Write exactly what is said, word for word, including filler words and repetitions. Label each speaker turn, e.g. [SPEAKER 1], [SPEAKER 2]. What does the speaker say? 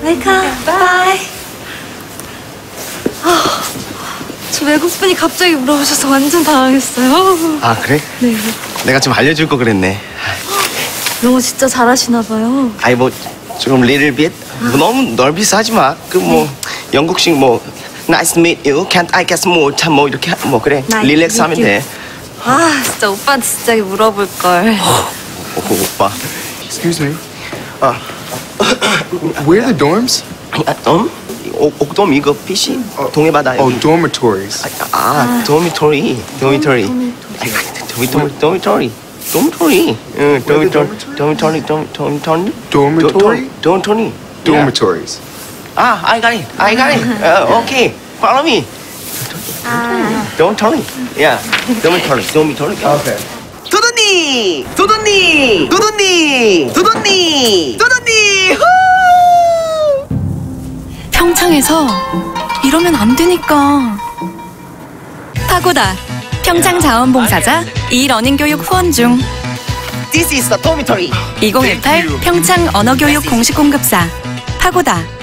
[SPEAKER 1] 웰컴. 바이. 아, 저 외국분이 갑자기 물어보셔서 완전 당황했어요.
[SPEAKER 2] 아, 그래?
[SPEAKER 1] 네.
[SPEAKER 2] 내가 좀 알려줄 거 그랬네.
[SPEAKER 1] 영어 진짜 잘하시나 봐요.
[SPEAKER 2] 아이, 뭐 조금 little bit. 뭐 너무 넓이서 하지 마. 그 뭐 영국식 뭐 Nice to meet you. Can't I get some more? 참 뭐 이렇게 하- 뭐 그래.
[SPEAKER 1] Nice
[SPEAKER 2] 릴렉스
[SPEAKER 1] to
[SPEAKER 2] 하면
[SPEAKER 1] meet
[SPEAKER 2] 돼.
[SPEAKER 1] 아, 진짜 오빠한테 진짜 물어볼 걸.
[SPEAKER 2] 어, 오빠.
[SPEAKER 3] Excuse me.
[SPEAKER 2] 아,
[SPEAKER 3] Where are the dorms?
[SPEAKER 2] 아, 음? 옥, 옥돔 이거 피시? 동해바다
[SPEAKER 3] Oh,
[SPEAKER 2] 여기.
[SPEAKER 3] dormitories.
[SPEAKER 2] 아, 아, 도미토리. 도미토리. 도미토리. 도미토리. 도미토리. 응, 도미토리. 도미토리. 도미토리.
[SPEAKER 3] Dormitory?
[SPEAKER 2] 도미토리.
[SPEAKER 3] Dormitories.
[SPEAKER 2] 아, I got it. I got it. 어, 오케이. Follow me. 도미토리. 야, 도미토리. 도미토리.
[SPEAKER 3] Okay.
[SPEAKER 2] 도도니! 도도니! 도도니! 도도니! 도도니! 후!
[SPEAKER 4] 평창에서 이러면 안 되니까. 파고다. 평창 자원봉사자 이 러닝 교육 후원 중.
[SPEAKER 2] This is the dormitory.
[SPEAKER 4] 이천십팔 평창 언어교육 공식 공급사 파고다.